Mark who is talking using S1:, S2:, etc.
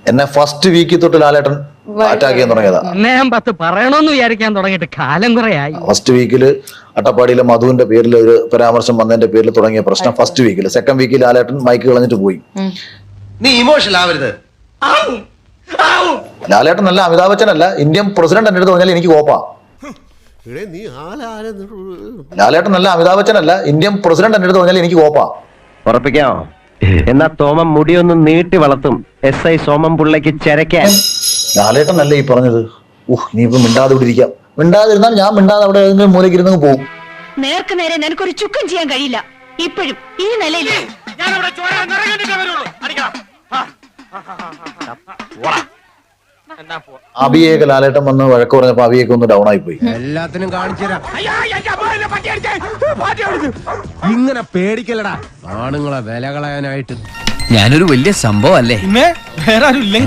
S1: എന്നെ ഫസ്റ്റ് വീക്കിൽ തൊട്ട് ലാലേട്ടൻ അറ്റാക്ക് ചെയ്യാൻ തുടങ്ങിയതാ.
S2: ഞാൻ പറയണമെന്ന് വിചാരിക്കാൻ തുടങ്ങിയിട്ട് കാലം കുറയായി.
S1: ഫസ്റ്റ് വീക്കില് അട്ടപ്പാടിയിലെ മധുവിന്റെ പേരിൽ ഒരു പരാമർശം വന്നതിന്റെ പേരിൽ തുടങ്ങിയ പ്രശ്നം ഫസ്റ്റ് വീക്കിൽ. സെക്കൻഡ് വീക്കിൽ ലാലേട്ടൻ മൈക്ക് കളഞ്ഞിട്ട് പോയി.
S3: നീ ഇമോഷണൽ ആവരുത്.
S1: ലാലേട്ടൻ അല്ല, അമിതാഭ് ബച്ചൻ അല്ല, ഇന്ത്യൻ പ്രസിഡന്റ് എന്റെ അടുത്ത് പറഞ്ഞാൽ എനിക്ക് കോപ്പാ. ലാലേട്ടൻ അല്ല, അമിതാഭ് ബച്ചൻ അല്ല, ഇന്ത്യൻ പ്രസിഡന്റ് എന്റെ അടുത്ത് പറഞ്ഞാൽ എനിക്ക് കോപ്പാ.
S4: ഉറപ്പിക്കാമോ? എന്നാ തോമം മുടിയൊന്ന് നീട്ടി വളർത്തും. SI സോമം പുള്ളയ്ക്ക് ചെരക്കാൻ.
S1: ലാലേട്ടൻ അല്ല ഈ പറഞ്ഞത്. നീ ഇപ്പൊ മിണ്ടാതെ ഇവിടെ ഇരിക്കാം. മിണ്ടാതിരുന്നാൽ ഞാൻ മിണ്ടാതെ അവിടെ ഏതെങ്കിലും മൂലയ്ക്ക് ഇരുന്ന് പോകും.
S5: നേർക്ക് നേരെ നിനക്കൊരു ചുക്കും ചെയ്യാൻ കഴിയില്ല. ഇപ്പോഴും ഈ നിലയിൽ
S1: അഭിയേക്ക് ലാലേട്ടൻ വന്ന് വഴക്ക് പറഞ്ഞപ്പോ അഭിയേക്ക് ഒന്ന് ഡൗൺ ആയി പോയി.
S6: എല്ലാത്തിനും കാണിച്ചുതരാം. ഇങ്ങനെ പേടിക്കലടാ ആണുങ്ങളെ വില കളയാനായിട്ട്.
S7: ഞാനൊരു വലിയ സംഭവം അല്ലേ?